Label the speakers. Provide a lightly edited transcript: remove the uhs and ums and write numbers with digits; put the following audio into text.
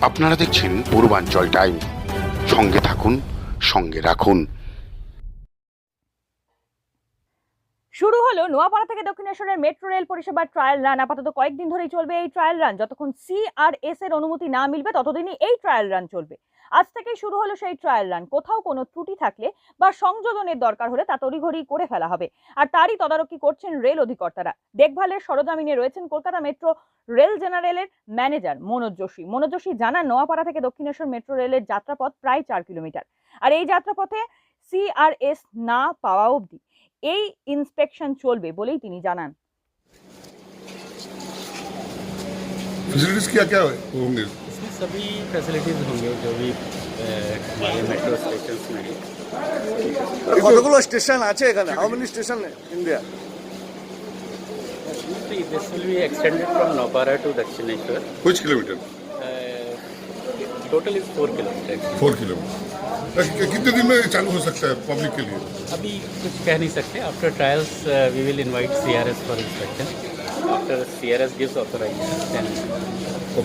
Speaker 1: আপনারা দেখছেন পূর্বাঞ্চল টাইম, সঙ্গে থাকুন, সঙ্গে রাখুন।
Speaker 2: শুরু হলো নোয়াপাড়া থেকে দক্ষিণেশ্বরের মেট্রো রেল পরিষেবার ট্রায়াল রান। আপাতত কয়েকদিন ধরেই চলবে এই ট্রায়াল রান। যতক্ষণ CRS এর অনুমতি না মিলবে ততদিনই এই ট্রায়াল রান চলবে। আজ থেকেই শুরু হলো সেই ট্রায়াল রান। কোথাও কোনো ত্রুটি থাকলে বা সংযোজনের দরকার হলে তা তড়িঘড়ি করে ফেলা হবে, আর তারই তদারকি করছেন রেল অধিকর্তারা। দেখভালের সরজমিনে রয়েছেন কলকাতা মেট্রো রেল জেনারেলের ম্যানেজার মনোজ যোশী। মনোজ যোশী জানান, নোয়াপাড়া থেকে দক্ষিণেশ্বর মেট্রো রেলের যাত্রাপথ প্রায় 4 কিলোমিটার, আর এই যাত্রাপথে CRS না পাওয়া অবধি এই ইন্সপেকশন চলবে বলেই তিনি জানান।
Speaker 3: फैसिलिटीज क्या क्या होंगे?
Speaker 4: इसमें सभी फैसिलिटीज़ होंगे जो भी हमारे मेट्रो स्टेशन में है।
Speaker 5: কতগুলো স্টেশন আছে এখানে? How many station India?
Speaker 4: This will be extended from Nopara to Dakshineshwar.
Speaker 3: कुछ kilometre?
Speaker 4: Total is 4 kilometer.
Speaker 3: 4 kilometre. कितने दिन में चालू हो सकता है पब्लिक के लिए?
Speaker 4: अभी कुछ कह नहीं सकते. After trials, we will invite CRS for inspection. After CRS gives authorization, then